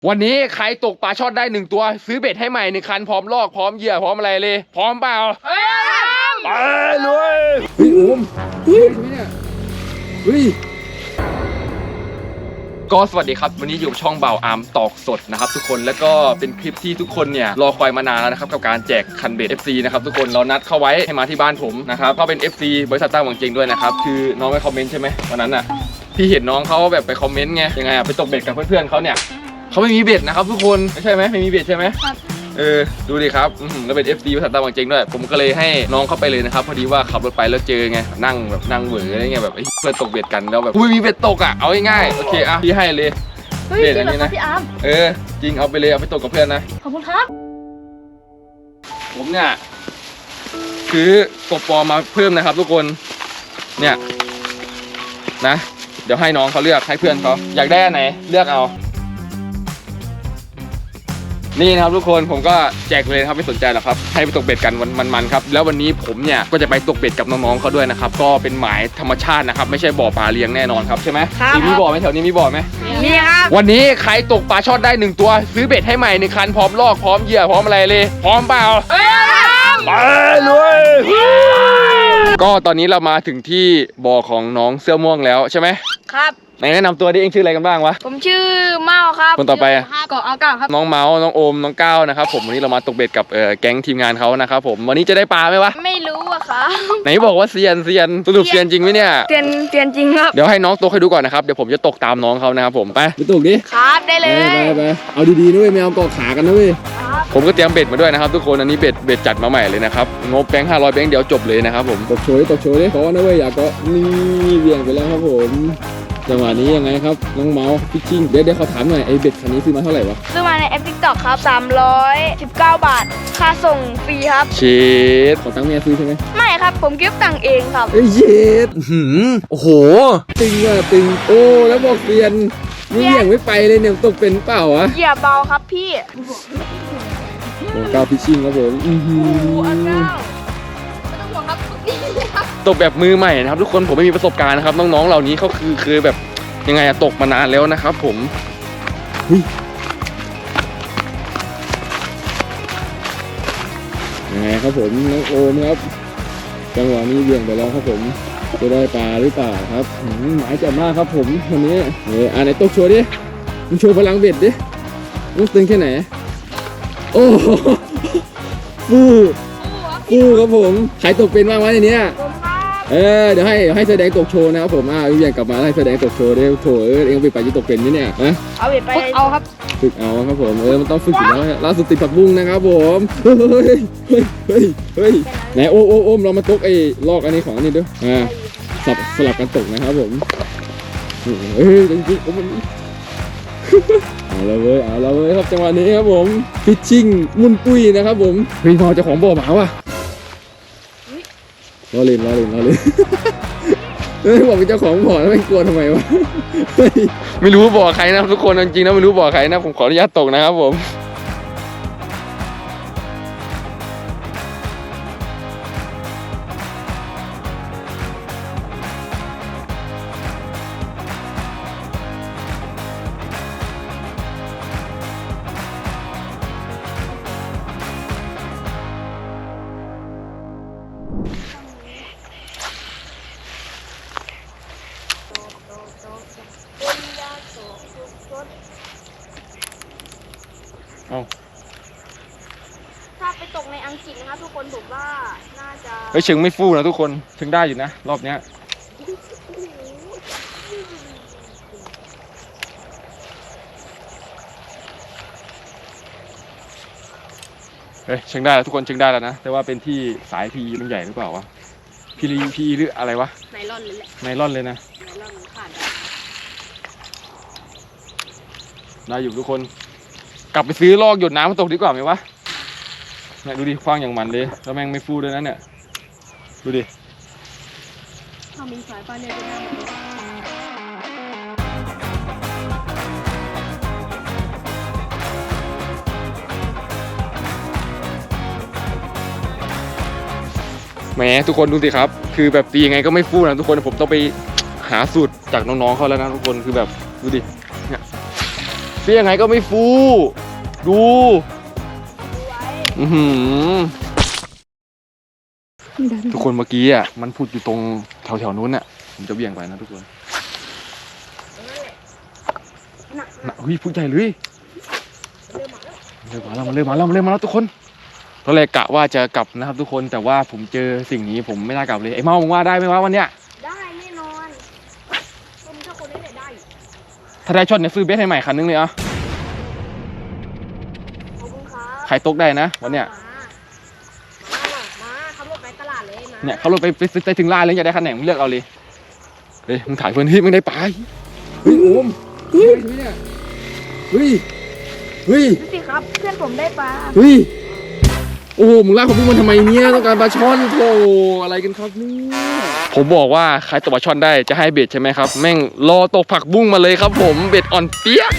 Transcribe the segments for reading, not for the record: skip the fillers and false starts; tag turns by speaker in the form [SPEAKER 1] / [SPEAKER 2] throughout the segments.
[SPEAKER 1] วันนี้ใครตกปลาช่อนได้1ตัวซื้อเบ็ดให้ใหม่1คันพร้อมลอกพร้อมเหยื่อพร้อมอะไรเลยพร้อมเปล่าไปเลยเฮ้ยโอมเฮ้ยเนี่ยเฮ้ยก็สวัสดีครับวันนี้อยู่ช่องบ่าวอาร์มตอกสดนะครับทุกคนแล้วก็เป็นคลิปที่ทุกคนเนี่ยรอคอยมานานแล้วนะครับกับการแจกคันเบ็ด FC นะครับทุกคนเรานัดเข้าไว้ให้มาที่บ้านผมนะครับเขาเป็น FC บริษัทตั้งหวังเจงด้วยนะครับคือน้องไปคอมเมนต์ใช่ไหมวันนั้นอ่ะพี่เห็นน้องเขาแบบไปคอมเมนต์ไงยังไงอ่ะไปตกเบ็ดกับเพื่อนๆเขาเนี่ยเขาไม่มีเบ็ดนะครับทุกคนไม่ใช่ไหมไม่มีเบ็ดใช่ไหมครับดูดิครับแล้วเป็น FC บริษัทตั้งหวังเจงด้วยผมก็เลยให้น้องเข้าไปเลยนะครับพอดีว่าขับรถไปแล้วเจอไงนั่งเหวออะไรเงี้ยแบบเพื่อนตกเบ็ดกันแล้วแบบมีเบ็ดตกอ่ะเอาง่ายๆโอเคอ่ะพี่ให้เลย
[SPEAKER 2] เบ็ดอันนี้นะพี่อาร์ม
[SPEAKER 1] จริงเอาไปเลยเอาไปตกกับเพื่อนนะ
[SPEAKER 2] ขอบคุณครับ
[SPEAKER 1] ผมเนี่ยคือกบปอมาเพิ่มนะครับทุกคนเนี่ยนะเดี๋ยวให้น้องเขาเลือกให้เพื่อนเขาอยากได้อันไหนเลือกเอานี่นะครับทุกคนผมก็แจกเลยครับไม่สนใจหรอกครับให้ไปตกเบ็ดกันมันครับแล้ววันนี้ผมเนี่ยก็จะไปตกเบ็ดกับน้องๆเขาด้วยนะครับก็เป็นหมายธรรมชาตินะครับไม่ใช่บ่อปลาเลี้ยงแน่นอนครับใช่ไหมมีบ่อไหมแถวนี้มีบ่อไหม
[SPEAKER 2] มีครับ
[SPEAKER 1] วันนี้ใครตกปลาช่อนได้1ตัวซื้อเบ็ดให้ใหม่1คันพร้อมลอกพร้อมเหยื่อพร้อมอะไรเลยพร้อมเปล่าไปเลยก็ตอนนี้เรามาถึงที่บ่อของน้องเสื้อม่วงแล้วใช่ไหม
[SPEAKER 2] ครับ
[SPEAKER 1] ไหนแนะนำตัวดิเองชื่ออะไรกันบ้างวะ
[SPEAKER 2] ผมชื่อเมาครับ
[SPEAKER 1] คนต่อไปอะ
[SPEAKER 2] เกาะเอาเก่าครับ
[SPEAKER 1] น้องเมาส์น้องโอมน้องก้าวนะครับผมวันนี้เรามาตกเบ็ดกับแก๊งทีมงานเขานะครับผมวันนี้จะได้ปลาไหมวะ
[SPEAKER 2] ไม่รู้อะครับ
[SPEAKER 1] ไหนบอกว่าเซียนสรุปเซียนจริงไหมเนี่ย
[SPEAKER 2] เตียนจริงครับ
[SPEAKER 1] เดี๋ยวให้น้องตกให้ดูก่อนนะครับเดี๋ยวผมจะตกตามน้องเขานะครับผมไปตกดิ
[SPEAKER 2] ครับได้เลย
[SPEAKER 1] ไปเอาดีๆนะเว้ยไม่เอาเกาะขากันนะเว้ยผมก็เตรียมเบ็ดมาด้วยนะครับทุกคนอันนี้เบ็ดจัดมาใหม่เลยนะครับงบแบงค์500แบงค์เดี๋ยวจบเลยนะครับผมตกโชว์ดิขอนะเว้ยอย่าเกาะนี่เบี่ยงไปแล้วครับผมจังหวะนี้ยังไงครับน้องเมาส์พิชชิ่งเดี๋ยวเขาถามหน่อยไอ้เบ็ดคันนี้ซื้อมาเท่าไหร่วะ
[SPEAKER 2] ซื้อมาในแอป TikTok ครับ319 บาทค่าส่งฟรีครับ
[SPEAKER 1] เชดขอตังค์เมียซื้อใช่ไหม
[SPEAKER 2] ไม่ครับผมเก็บตังค์เองครับ
[SPEAKER 1] เชดโอ้โหตึงว่ะตึงโอ้แล้วบอกเปลี่ยนนี่ยังไม่ไปเลยเนี่ยตกเป็นเปล่าวะ
[SPEAKER 2] เหยียบเบาครับพี่
[SPEAKER 1] ผมก้าวพิชชิ่งครับผมตกแบบมือใหม่นะครับทุกคนผมไม่มีประสบการณ์นะครับน้องๆเหล่านี้เขาคือแบบยังไงอะตกมานานแล้วนะครับผมยังไงครับผมน้องโอมครับจังหวะนี้เบี่ยงไปแล้วครับผมจะได้ปลาหรือเปล่าครับหมายจับมากครับผมวันนี้ไหนตกโชว์ดิมึงโชว์พลังเบ็ดดิมึงตึงแค่ไหนโอ้ฟูครับผมใครตกเป็นบ้างวะในนี้เดี๋ยวให้แสดงตกโชว์นะครับผมพี่เบียงกลับมาให้แสดงตกโชว์ได้โถเองไปจะตกเป็นไหมเนี่ยนะ
[SPEAKER 2] เอาไปเอาครับ
[SPEAKER 1] ฝึกเอาครับผมมันต้องฝึกอยู่แล้วล่าสุดติดผักบุ้งนะครับผมเฮ้ยไหนโอมเรามาตกไอ้ลอกอันนี้ของอันนี้ด้วยสลับกันตกนะครับผมจริงๆมันเอาละเว้ยครับจังหวะนี้ครับผมฟิชชิ่งมุนปุ้ยนะครับผมพี่พอจะของบ่อหมาว่ะล้อเล่นบอกเป็นเจ้าของบ่อแล้วไม่กลัวทำไมวะไม่รู้บ่อใครนะทุกคนจริงๆนะไม่รู้บ่อใครนะผมขออนุญาตตกนะครับผม
[SPEAKER 2] ถ้าไปตกในอังกฤษนะครับทุกคนผมว่าน่าจะ
[SPEAKER 1] เชิงไม่ฟู่นะทุกคนถึงได้อยู่นะรอบเนี้ยเชิงได้แล้วทุกคนเชิงได้แล้วนะแต่ว่าเป็นที่สายพีมันใหญ่หรือเปล่าวะพีหรืออะไรวะ
[SPEAKER 2] ไนลอนเลยแหละ
[SPEAKER 1] ไนลอนเลยนะ
[SPEAKER 2] ไนลอนขาด
[SPEAKER 1] ได้อยู่ทุกคนกลับไปซื้อลอกหยดน้ำมาตกดีกว่าไหมวะเนี่ยดูดิคว้างอย่างมันเลยแล้วแม่งไม่ฟูด้วยนะเนี่ยดูดิ
[SPEAKER 2] ถ้ามีสายไฟเนี่ยจะได้
[SPEAKER 1] แหมทุกคนดูสิครับคือแบบตียังไงก็ไม่ฟูนะทุกคนผมต้องไปหาสูตรจากน้องๆเขาแล้วนะทุกคนคือแบบดูดิเนี่ยเฟี้ยงไงก็ไม่ฟูดูทุกคนเมื่อกี้อ่ะมันพูดอยู่ตรงแถวๆนู้นอ่ะผมจะเบี่ยงไปนะทุกคนน่ะเฮ้ยพูดใหญ่เลยมันเริ่มมาแล้วทุกคนตอนแรกกะว่าจะกลับนะครับทุกคนแต่ว่าผมเจอสิ่งนี้ผมไม่น่ากลับเลยไอ้เมามึงว่าได้ไหมวะวันเนี้ย
[SPEAKER 2] ได้แน่นอนผมถ้าคนนี้ได้
[SPEAKER 1] ถ้าได้ช็อตเนี่ยซื้อเบสให้ใหม่คันนึงเลยอ่ะ
[SPEAKER 2] ขอบคุณครับ
[SPEAKER 1] ใครตกได้นะวันเนี้ย
[SPEAKER 2] มาขับรถไปตลาดเลยมา
[SPEAKER 1] เนี่ยเขารถไปถึงร้านเลยอยากได้คันไหนมึงเลือกเอาเลยเฮ้ยมึงถ่ายเพื่อนเฮ้ยมึงได้ปลาเฮ้ยโอมเฮ้ยเนี่ยเฮ้ย
[SPEAKER 2] ดูสิครับเพื่อนผมได้ปลา
[SPEAKER 1] เฮ้ยโอ้มึงลากผมพี่มันทำไมเนี่ยต้องการปลาช่อนโธ่อะไรกันครับเนี่ยผมบอกว่าใครตกปลาช่อนได้จะให้เบ็ดใช่ไหมครับแม่งรอตกผักบุ้งมาเลยครับผมเบ็ดอ่อนเปี้ย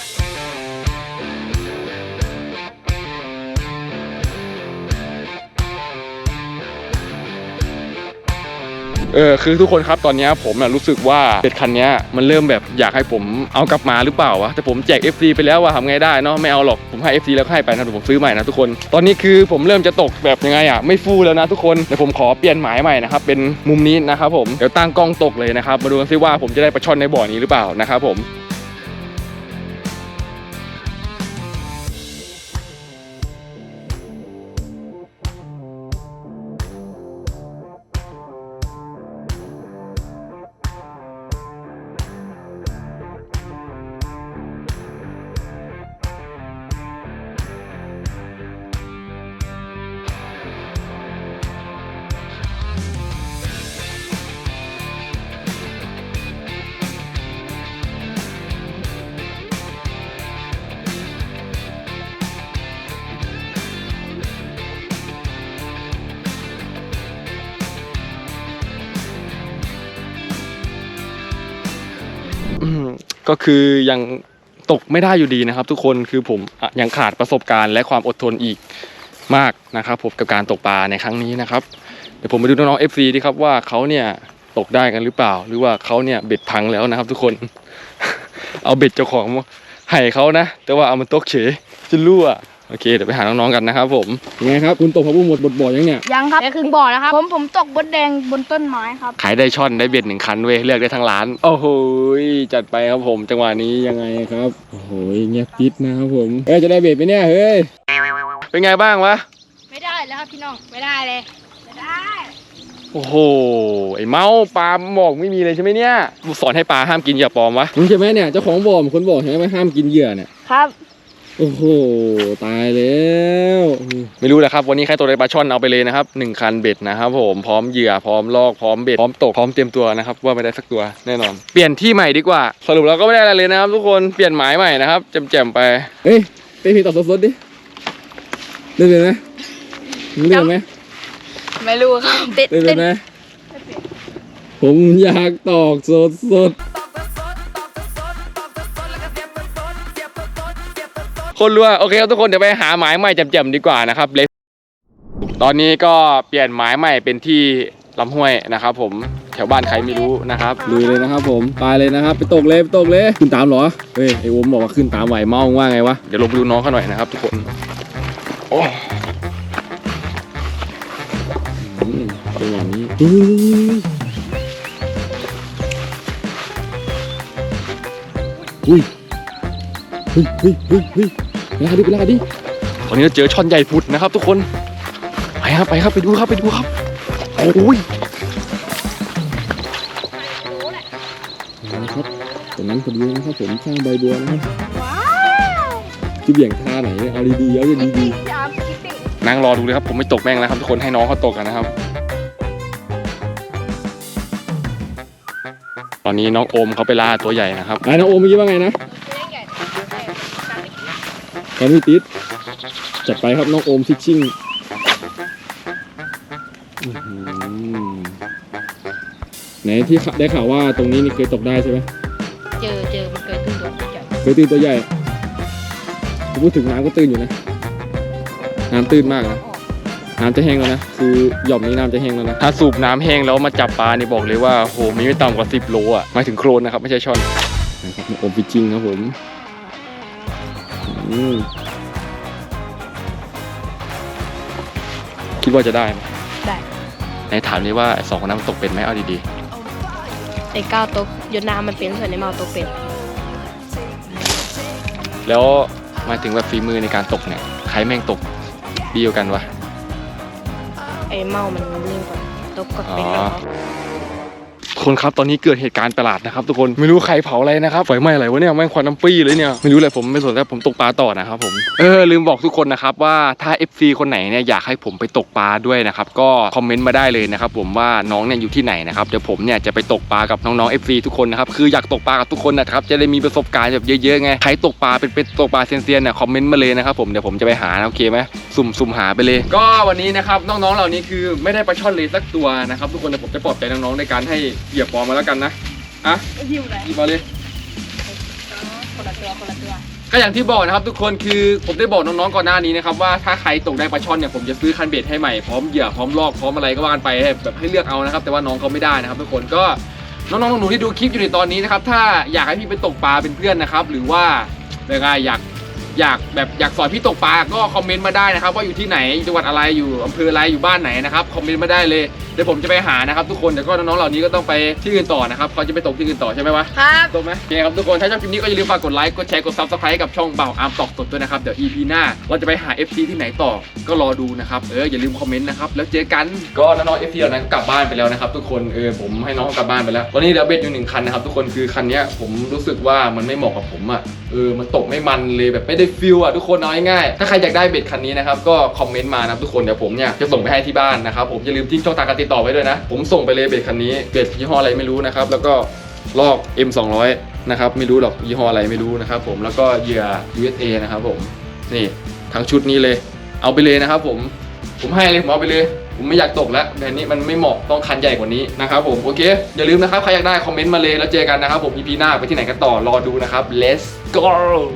[SPEAKER 1] คือทุกคนครับตอนนี้ผมรู้สึกว่าเบ็ดคันนี้มันเริ่มแบบอยากให้ผมเอากลับมาหรือเปล่าวะแต่ผมแจก FC ไปแล้วว่าทำไงได้เนาะไม่เอาหรอกผมให้ FC แล้วก็ให้ไปนะผมซื้อใหม่นะทุกคนตอนนี้คือผมเริ่มจะตกแบบยังไงไม่ฟูแล้วนะทุกคนเดี๋ยวผมขอเปลี่ยนหมายใหม่นะครับเป็นมุมนี้นะครับผมเดี๋ยวตั้งกล้องตกเลยนะครับมาดูกันซิว่าผมจะได้ปลาช่อนในบ่อนี้หรือเปล่านะครับผมก็คือยังตกไม่ได้อยู่ดีนะครับทุกคนคือผมยังขาดประสบการณ์และความอดทนอีกมากนะครับผมกับการตกปลาในครั้งนี้นะครับเดี๋ยวผมไปดูน้องๆ FC ดีครับว่าเขาเนี่ยตกได้กันหรือเปล่าหรือว่าเขาเนี่ยเบ็ดพังแล้วนะครับทุกคน เอาเบ็ดเจ้าของให้เขานะแต่ว่าเอามันตกเฉยจะรั่วโอเคเดี๋ยวไปหาน้องๆกันนะครับผมยังไงครับคุณตกผักบุ้งหมดบทบ่อยังเนี่ย
[SPEAKER 2] ยังครับแค่ครึ่งบ่อนะครับผมตกบดแดงบนต้นไม้ครับ
[SPEAKER 1] ขายได้ช่อนได้เบ็ด1 คันเว้ยเลือกได้ทั้งร้านโอ้โหจัดไปครับผมจังหวะนี้ยังไงครับโอ้โหเงียบปิดนะครับผมจะได้เบ็ดไหมเนี่ยเฮ้ยเป็นไงบ้างวะ
[SPEAKER 2] ไม่ได้แล้วครับพี่น้องไม่ได้เลยไม่ได้
[SPEAKER 1] โอ้โหไอ้เมาปลาบอกไม่มีเลยใช่ไหมเนี่ยกูสอนให้ปลาห้ามกินเหยื่อปลอมวะมึงใช่ไหมเนี่ยเจ้าของบ่อมคนบอกใช่ไหมห้ามกินเหยื่อเนี่ย
[SPEAKER 2] ครับ
[SPEAKER 1] โอ้โหตายแล้วไม่รู้แหละครับวันนี้ใครตกได้ปลาช่อนเอาไปเลยนะครับ1 คันเบ็ดนะครับผมพร้อมเหยื่อพร้อมลอกพร้อมเบ็ดพร้อมตกพร้อมเตรียมตัวนะครับว่าไม่ได้สักตัวแน่นอนเปลี่ยนที่ใหม่ดีกว่าสรุปเราก็ไม่ได้อะไรเลยนะครับทุกคนเปลี่ยนหมายใหม่นะครับแจ่มๆไปเฮ้ยไปพี่ตอบสดๆดิเล่นเลยไหมมึงเล่นไหม
[SPEAKER 2] ไม่รู้ครับ
[SPEAKER 1] เล่นไหมผมอยากตอกสดคนรู้ว่าโอเคครับทุกคนเดี๋ยวไปหาหมายใหม่แจ่มๆดีกว่านะครับเลยตอนนี้ก็เปลี่ยนหมายใหม่เป็นที่ลำห้วยนะครับผมแถวบ้านใครไม่รู้นะครับลุยเลยนะครับผมไปเลยนะครับไปตกเลยขึ้นตามเหรอเฮ้ยไอ้โอมบอกว่าขึ้นตามไหวเมาว่าไงวะเดี๋ยวลงไปดูน้องเขาหน่อยนะครับทุกคนโอ้เป็นอย่างนี้อุ้ยเฮ้ยลาดิตอนนี้เราเจอช่อนใหญ่พุดนะครับทุกคนไปครับไปดูครับโอ้ยนะครับตรงนั้นพอดีนะครับผมข้างใบบัวนะครับจะเบี่ยงท่าไหนเอาดีๆเอาดีๆนั่งรอดูเลยครับผมไม่ตกแม่งแล้วครับทุกคนให้น้องเขาตกกันนะครับตอนนี้น้องโอมเขาไปล่าตัวใหญ่นะครับน้องโอมเมื่อกี้ว่าไงนะการไม่ติดจัดไปครับน้องโอมฟิชชิ่งไหนที่ได้ข่าวว่าตรงนี้นี่เคยตกได้ใช่ไหม
[SPEAKER 2] เจอมันเคยตื่นตัวใหญ่
[SPEAKER 1] พูดถึงน้ำก็ตื่นอยู่นะน้ำตื่นมากนะน้ำจะแห้งแล้วนะคือหย่อมนี้น้ำจะแห้งแล้วนะถ้าสูบน้ำแห้งแล้วมาจับปลานี่บอกเลยว่าโหมีไม่ต่ำกว่า10 โลอ่ะหมายถึงโครนนะครับไม่ใช่ช่อนนะครับโอมฟิชชิ่งครับผมคิดว่าจะได้ไหม
[SPEAKER 2] ได้
[SPEAKER 1] ในถามนี้ว่าสองคนนั้นมันตกเป็นไหมเอาดี
[SPEAKER 2] ไอ้ก้าวตกยนน้ำมันเป็นส่วนไอ้เมาตกเป็น
[SPEAKER 1] ๆแล้วมาถึงแบบฝีมือในการตกเนี่ยใครแม่งตกดีกว่ากันวะ
[SPEAKER 2] ไอ้เมามันนิ่งกว่าตกก็เป็นแล้ว
[SPEAKER 1] คนครับตอนนี้เกิดเหตุการณ์ประหลาดนะครับทุกคนไม่รู้ใครเผาอะไรนะครับไฟไหม้อะไรวะเนี่ยแม่งควันน้ำปี้เลยเนี่ยไม่รู้เลยผมไม่สนแล้วผมตกปลาต่อนะครับผมลืมบอกทุกคนนะครับว่าถ้า FC คนไหนเนี่ยอยากให้ผมไปตกปลาด้วยนะครับก็คอมเมนต์มาได้เลยนะครับผมว่าน้องเนี่ยอยู่ที่ไหนนะครับเดี๋ยวผมเนี่ยจะไปตกปลากับน้องๆ FC ทุกคนนะครับคืออยากตกปลากับทุกคนนะครับจะได้มีประสบการณ์แบบเยอะๆไงใครตกปลาเป็นตกปลาเซียนๆเนี่ยคอมเมนต์มาเลยนะครับผมเดี๋ยวผมจะไปหาโอเคไหมสุ่มหาไปเลยก็วันนี้นะครับน้องๆเหล่านี้คือไม่ได้ปลาช่อนเลยสักตัวนะครับทุกคนเดี๋ยวผมจะปลอบใจน้องๆในการให้เหยียบปอมาแล้วกันนะอ่ะ
[SPEAKER 2] หิวเลย
[SPEAKER 1] หยิบมาเลย
[SPEAKER 2] คนละตัว
[SPEAKER 1] ก็อย่างที่บอกนะครับทุกคนคือผมได้บอกน้องๆก่อนหน้านี้นะครับว่าถ้าใครตกได้ปลาช่อนเนี่ยผมจะซื้อคันเบ็ดให้ใหม่พร้อมเหยื่อพร้อมลอกพร้อมอะไรก็ว่ากันไปแบบให้เลือกเอานะครับแต่ว่าน้องเขาไม่ได้นะครับทุกคนก็น้องๆหนูๆที่ดูคลิปอยู่ในตอนนี้นะครับถ้าอยากให้พี่ไปตกปลาเป็นเพื่อนนะครับหรือว่าอะไรอยากสอนพี่ตกปลาก็คอมเมนต์มาได้นะครับว่าอยู่ที่ไหนจังหวัดอะไรอยู่อำเภออะไรอยู่บ้านไหนนะครับคอมเมนต์มาได้เลยเดี๋ยวผมจะไปหานะครับทุกคนแต่ก็น้องๆเหล่านี้ก็ต้องไปที่อื่นต่อนะครับเขาจะไปตกที่อื่นต่อใช่ไหมวะ
[SPEAKER 2] ครับ
[SPEAKER 1] ตรงไหมโอเคครับทุกคนถ้าชอบคลิปนี้ก็อย่าลืมฝากกดไลค์กดแชร์กด Subscribe กับช่องเบาอาร์มตอกสดด้วยนะครับเดี๋ยว EP หน้าเราจะไปหา FC ที่ไหนต่อก็รอดูนะครับอย่าลืมคอมเมนต์นะครับแล้วเจอกันก็น้องๆ FC เหล่านั้นกลับบ้านไปแล้วนะครับทุกคนผมให้น้องกลับบ้านไปแล้วตอนนี้เหลือเบ็ดอยู่1 คันนะครับทุกคนคือคันนี้ผมรู้สึกว่ามันไม่เหมาะกับผมอ่ะมันตกไม่มันเลยแบบไม่ได้ฟิลอ่ะทุกคนเอาง่ายๆถ้าใครอยากได้เบ็ดคันนี้นะครับก็คอมเมนต์มานะครับทุกคนเดี๋ยวผมเนี่ยจะส่งไปให้ที่บ้านนะครับผมอย่าลืมทิ้งช่องทางการติดต่อไว้ด้วยนะผมส่งไปเลยเบ็ดคันนี้เบ็ดยี่ห้ออะไรไม่รู้นะครับแล้วก็ลอก M200 นะครับไม่รู้หรอกยี่ห้ออะไรไม่รู้นะครับผมแล้วก็เหยื่อ USA นะครับผมนี่ทั้งชุดนี้เลยเอาไปเลยนะครับผมให้เลยผมเอาไปเลยผมไม่อยากตกแล้วแบบนี้มันไม่เหมาะต้องคันใหญ่กว่านี้นะครับผมโอเคอย่าลืมนะครับใครอยากได้คอมเมนต์มาเลยแล้วเจอกันนะครับผม EP หน้าไปที่ไหนกันต่อรอดูนะครับ let's go